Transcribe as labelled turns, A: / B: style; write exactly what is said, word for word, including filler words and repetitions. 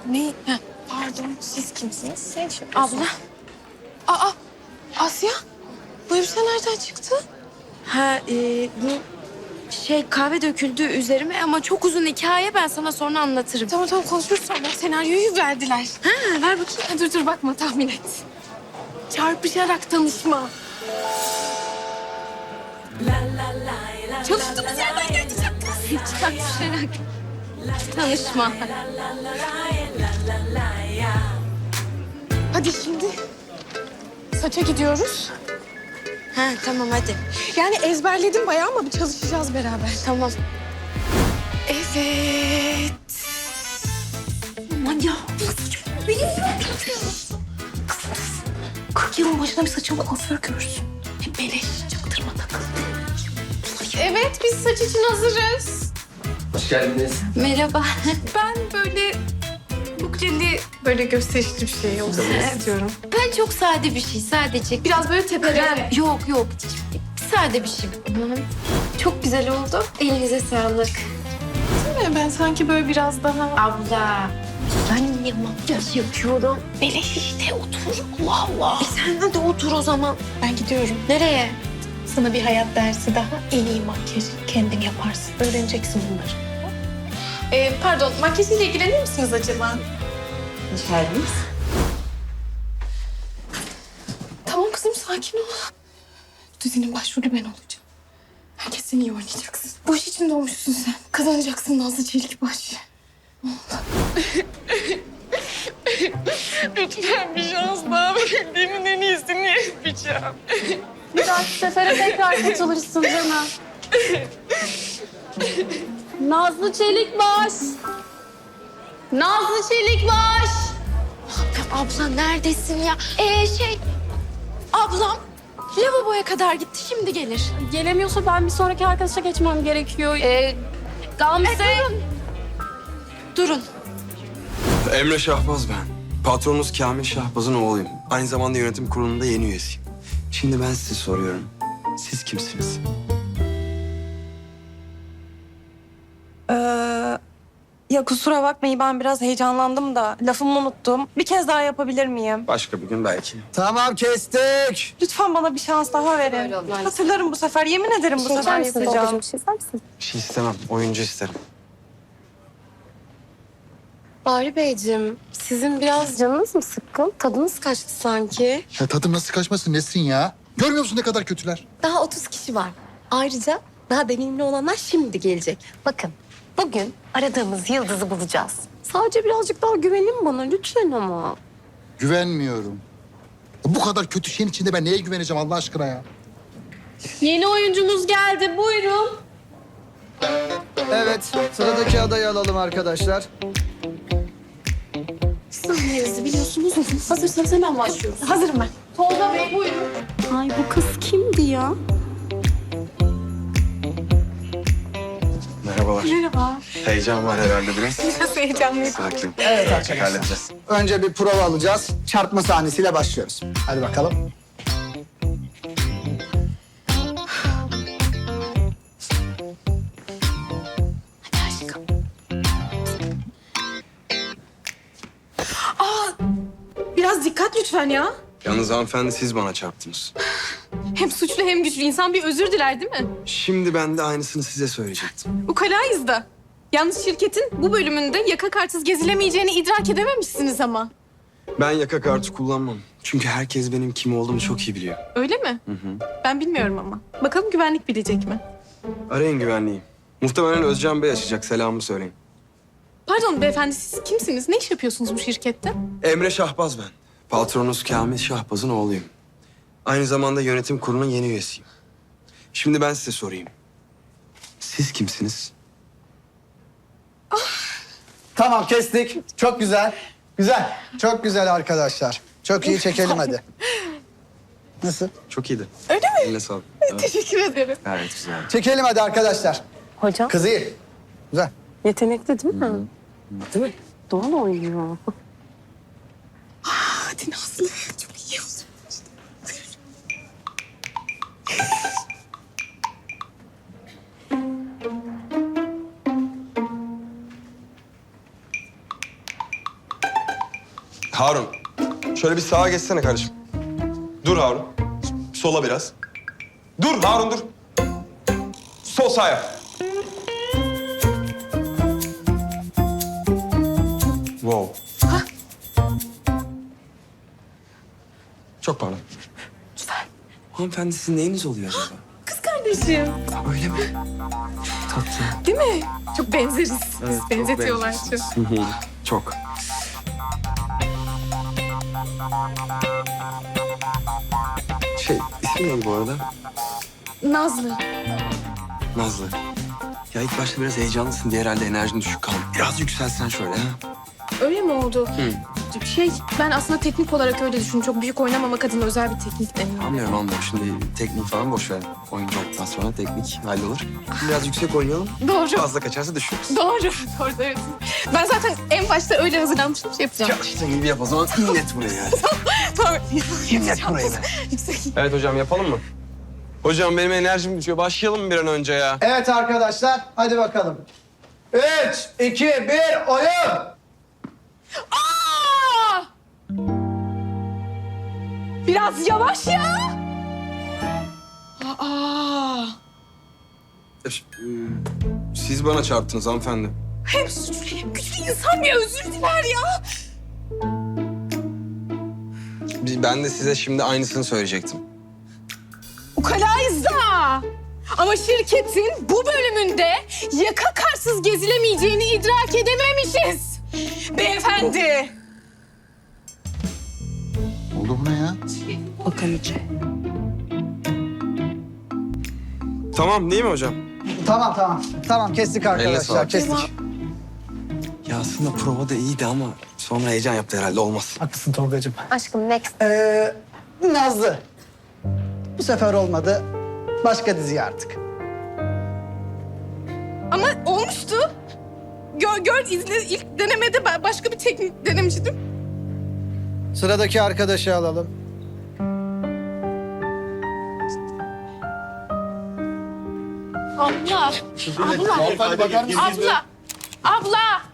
A: Ne? Heh, pardon, siz kimsiniz? Sen şey
B: Abla.
A: Aa, Asya. Bu elbise nereden çıktı?
B: Ha e, bu şey kahve döküldü üzerime ama çok uzun hikaye, ben sana sonra anlatırım.
A: Tamam tamam konuşuruz sonra. Senaryoyu verdiler.
B: Ha ver bakayım.
A: Ha, dur dur bakma tahmin et. Çarpışarak tanışma. Çalıştığımız yerden geçeceğim kız.
B: Çarpışarak tanışma.
A: Hadi şimdi saça gidiyoruz.
B: Ha tamam hadi.
A: Yani ezberledim bayağı ama bir çalışacağız beraber.
B: Tamam.
A: Evet. Aman ya. Benim kırk yılın başına bir saçımı kuaför görsün. Hem beleş çaktırma takıl. Evet biz saç için hazırız.
C: Hoş geldiniz.
B: Merhaba.
A: Ben böyle bukleli böyle gösterişli bir şey olsun istiyorum.
B: Ben çok sade bir şey sadece.
A: Biraz böyle tepeden.
B: Yok yok. Sade bir şey. Çok güzel oldu. Elinize sağlık.
A: Ben sanki böyle biraz daha...
B: Abla. Ben niye makyaj yapıyorum?
A: Beleş işte otur. Allah Allah.
B: E sen hadi otur o zaman.
A: Ben gidiyorum.
B: Nereye?
A: Sana bir hayat dersi daha. En iyi makyajı kendin yaparsın. Öğreneceksin bunları. Ee, pardon, makyajıyla ilgilenir misiniz acaba?
B: İçerideyiz.
A: Tamam kızım, sakin ol. Bu dizinin başrolü ben olacağım. Herkesten iyi oynayacaksın. Bu iş için doğmuşsun sen. Kazanacaksın Nazlı Çelikbaş. Lütfen bir şans daha verildiğimin en iyisini yapacağım.
D: Bir dahaki sefere tekrar katılırsın canım. Nazlı Çelikbaş. Nazlı Çelikbaş.
B: Abla neredesin ya? Ee şey... Ablam lavaboya kadar gitti, şimdi gelir.
D: Gelemiyorsa ben bir sonraki arkadaşa geçmem gerekiyor. Ee, Gamze.
B: durun. Durun.
C: Emre Şahbaz ben. Patronunuz Kamil Şahbaz'ın oğluyum. Aynı zamanda yönetim kurulunda yeni üyesiyim. Şimdi ben size soruyorum. Siz kimsiniz?
E: Ee, ya kusura bakmayın, ben biraz heyecanlandım da lafımı unuttum. Bir kez daha yapabilir miyim?
C: Başka bir gün belki.
F: Tamam kestik.
E: Lütfen bana bir şans daha verin. Hatırlarım bu sefer. Yemin ederim bu sefer yapacağım.
D: Bir şey ister misin?
C: Bir şey istemem. Oyuncu isterim.
D: Bahri Beyciğim, sizin biraz canınız mı sıkkın? Tadınız kaçtı sanki.
F: Ya tadım nasıl kaçmasın Nesrin ya? Görmüyor musun ne kadar kötüler?
D: Daha otuz kişi var. Ayrıca daha deneyimli olanlar şimdi gelecek. Bakın, bugün aradığımız yıldızı bulacağız. Sadece birazcık daha güvenin bana lütfen ama.
F: Güvenmiyorum. Bu kadar kötü şeyin içinde ben neye güveneceğim Allah aşkına ya?
D: Yeni oyuncumuz geldi, buyurun.
G: Evet, sıradaki adayı alalım arkadaşlar.
D: Sahnenizi biliyorsunuz mu? Hazırsanız hemen başlıyoruz.
A: Hazırım ben.
D: Tolga Bey buyurun. Ay bu kız kimdi ya?
C: Merhabalar.
A: Merhaba.
C: Heyecan var herhalde biraz.
A: Biraz heyecanlıyım.
C: Sakin.
G: Evet arkadaşlar.
C: Halledeceğiz.
G: Önce bir prova alacağız. Çarpma sahnesiyle başlıyoruz. Hadi bakalım.
A: Biraz dikkat lütfen ya.
C: Yalnız hanımefendi siz bana çarptınız.
A: Hem suçlu hem güçlü insan bir özür diler değil mi?
C: Şimdi ben de aynısını size söyleyecektim.
A: Ukalayız da. Yalnız şirketin bu bölümünde yaka kartsız gezilemeyeceğini idrak edememişsiniz ama.
C: Ben yaka kartı kullanmam. Çünkü herkes benim kim olduğumu çok iyi biliyor.
A: Öyle mi?
C: Hı hı.
A: Ben bilmiyorum ama. Bakalım güvenlik bilecek mi?
C: Arayın güvenliği. Muhtemelen Özcan Bey açacak. Selamımı söyleyin.
A: Pardon beyefendi siz kimsiniz? Ne iş yapıyorsunuz bu şirkette?
C: Emre Şahbaz ben. Patronunuz Kamil Şahbaz'ın oğluyum. Aynı zamanda yönetim kurulunun yeni üyesiyim. Şimdi ben size sorayım. Siz kimsiniz?
G: Tamam kestik. Çok güzel. Güzel. Çok güzel arkadaşlar. Çok iyi çekelim hadi. Nasıl?
C: Çok iyiydi.
A: Öyle mi?
C: Eline sağlık. Evet,
A: Teşekkür ederim.
C: gayet güzel.
G: Çekelim hadi arkadaşlar.
D: Hocam
G: Kız iyi. Güzel.
D: yetenekli değil mi?
G: Değil mi?
D: Doğru oynuyor.
A: Hadi Nazlı. Çok iyi olsun.
C: Harun, şöyle bir sağa geçsene kardeşim. Dur Harun. Sola biraz. Dur Harun dur. Sol sağ yap. Wow. Çok pardon. Lütfen. Hanımefendi sizin neyiniz oluyor acaba?
A: Kız kardeşim.
C: Öyle mi? Tatlı.
A: Değil mi? Çok benzeriz.
C: Evet, çok
A: Benzetiyorlar
C: benziyorsunuz.
A: çok.
C: Hı hı, çok. Şey, ismi neydi bu arada?
A: Nazlı.
C: Nazlı. Ya ilk başta biraz heyecanlısın diye herhalde enerjin düşük kaldı. Biraz yükselsen şöyle ha.
A: Öyle mi oldu?
C: Hı.
A: Şey, ben aslında teknik olarak öyle düşündüm. Çok büyük oynamamak adına özel bir teknik deniyor.
C: Anlıyorum anlıyorum. Şimdi teknik falan boş ver. Oyuncu olduktan sonra teknik hallolur. Biraz yüksek oynayalım.
A: Doğru.
C: Fazla kaçarsa düşürürüz.
A: Doğru. Doğru, evet. Ben zaten en başta öyle hazırlanmıştım, şey yapacağım.
C: Çalıştığın gibi yap o zaman. İnlet buraya yani.
A: Tamam.
C: İnlet buraya be. Evet hocam yapalım mı? Hocam benim enerjim düşüyor. Başlayalım mı bir an önce ya?
G: Evet arkadaşlar, hadi bakalım. Üç, iki, bir, oyun!
A: Aa! Biraz yavaş ya. Aa!
C: Siz bana çarptınız hanımefendi.
A: Hem suçlu hem güçlü insan bir özür diler ya.
C: Ben de size şimdi aynısını söyleyecektim.
A: Ukalayız da. Ama şirketin bu bölümünde yaka karsız gezilemeyeceğini idrak edememişiz. Beyefendi.
F: Oldu bu ne ya?
C: Tamam değil mi hocam?
G: Tamam, tamam. Tamam, kestik
C: Elle
G: arkadaşlar,
C: sağlık.
G: kestik.
C: Ya aslında prova da iyiydi ama sonra heyecan yaptı herhalde olmaz.
G: Haklısın Tolga'cığım.
D: Aşkım next.
G: Ee, Nazlı. Bu sefer olmadı. Başka dizi artık.
A: Ama olmuştu. Gör, gör izle ilk denemede ba- başka bir teknik denemiştim.
G: Sıradaki arkadaşı alalım.
B: Abla. Abla.
F: Hadi bakar mısın?
B: Abla. Abla.